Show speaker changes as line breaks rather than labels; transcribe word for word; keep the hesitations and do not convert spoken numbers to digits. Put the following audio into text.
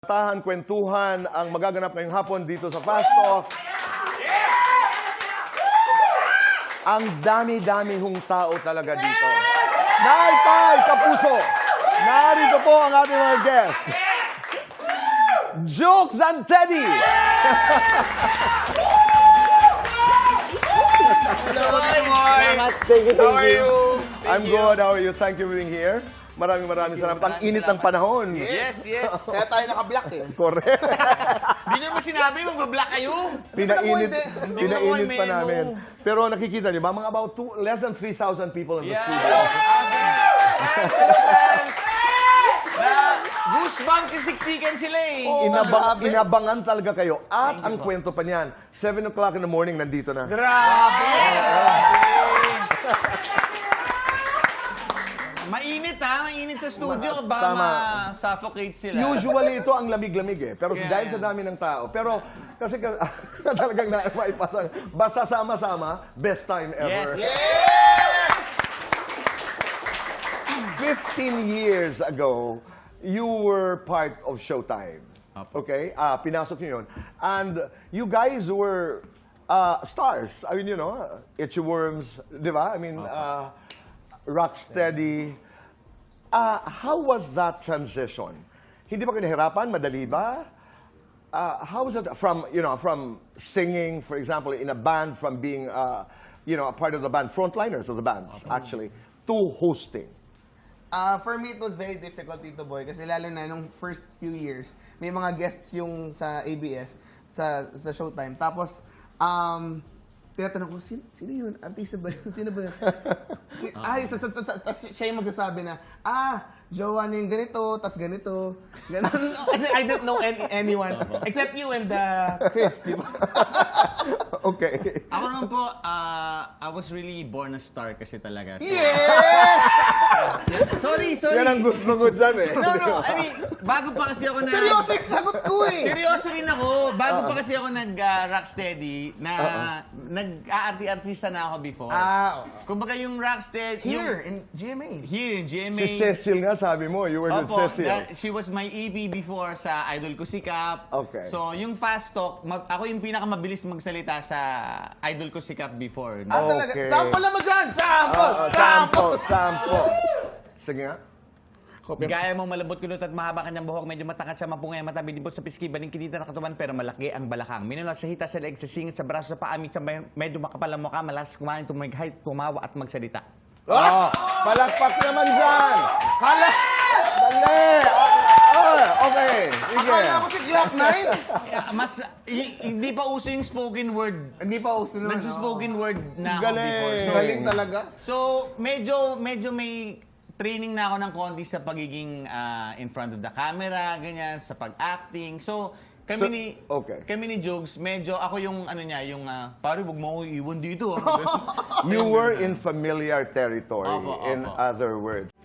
Tahan, kwentuhan ang magaganap ngayong hapon dito sa Fast Talk. Ang dami-dami hong tao talaga dito. Nay, Tay, Kapuso, narito po ang ating mga guest. Jokes and Teddy.
Hello, Moy.
Thank you, thank
How are
you.
you?
I'm good. How are you? Thank you for being here. Maraming maraming salamat. Ang init ng panahon.
Yes, yes. Kaya tayo naka-block eh.
Correct.
Hindi nyo naman sinabi, mag-block kayo.
Pinainit,
Hindi ko nakuha
pinainit
yung
pa
memo.
namin. Pero nakikita niyo ba, mga about two, less than three thousand people in the
Yeah.
studio.
Na goosebumps yung siksikan sila eh.
Inaba- inabangan talaga kayo. At ang kwento pa niyan, seven o'clock in the morning, nandito na.
Grabe! Mainit ha, mainit sa studio. Baka
Tama.
ma-suffocate sila.
Usually, ito ang lamig-lamig eh. Pero
Kaya
dahil
yan.
sa dami ng tao. Pero kasi ka- talagang naipasang, basta sama-sama, best time ever.
Yes!
Yes!
fifteen years ago, you were part of Showtime. Okay? Ah, pinasok niyo yun. And you guys were uh, stars. I mean, you know, Itchy Worms, di ba? I mean, uh, Rocksteady. Uh, how was that transition? Hindi ba kayo nahirapan? Madali ba? Uh, how was it from, you know, from singing, for example, in a band, from being, uh, you know, a part of the band, frontliners of the bands, actually, to hosting?
Uh, for me, it was very difficult, Tito Boy, kasi lalo na nung first few years, may mga guests yung sa A B S, sa, sa Showtime. Tapos, um, tinatanong ko, sino, sino yun? Artista ba yun? Sino ba yun? Si, ay, sa, sa, sa, sa, tas siya yung magsasabi na, ah, jowa na yung ganito, tas ganito. Ganun. Kasi I don't know any, anyone, except you and uh, Chris, di ba?
Okay.
Ako naman po, uh, I was really born a star kasi talaga. So,
Yes!
Sorry, sorry.
Yan ang gusto ko dyan eh.
No, no, I mean, bago pa kasi ako na...
Seryoso yung sagot ko eh!
Seryoso rin ako. Bago pa kasi ako nag-rocksteady, na nag-aarti-artista na ako before.
Ah,
Kumbaga yung rocksteady...
here,
Yung,
in G M A.
here in G M A.
Si Cecil nga sabi mo, you were with
Opo,
Cecil.
that- she was my E P before sa Idol Ko Sikap.
Okay.
So, yung fast talk, mag- ako yung pinakamabilis magsalita sa Idol Ko Sikap before.
Ah, talaga.
Okay.
Sample naman dyan! Sample!
Oo, sample, sample. Sige nga.
Gaya mong malambot kulot at mahaba kanyang buhok, medyo matangkat siya, mapungay, matabi, libot sa piski, baling kinita na katawan, pero malaki ang balakang. Minulat sa hita, sa leeg, sa singit, sa braso, sa paamit, sa may- medyo makapal ang mukha, malas kumain, tumighay, tumawa at magsalita.
Oh, palakpak naman dyan. Kala! Dali! Oh, okay. Sige.
Akala ko si Glock nine.
Yeah, mas, hi- hindi pa uso yung spoken word.
Hindi pa uso naman.
Nagsuspoken word na ako
Galing.
before. So,
Galing talaga.
So, medyo medyo may training na ako ng konti sa pagiging ah, in front of the camera, ganyan, sa pag-acting. So, kami
So,
ni
okay.
kami ni Jogs, medyo ako yung ano niya, yung uh, pare, wag mo ako iwan dito. ah."
You were in familiar territory,
Opo,
in
opo.
other words.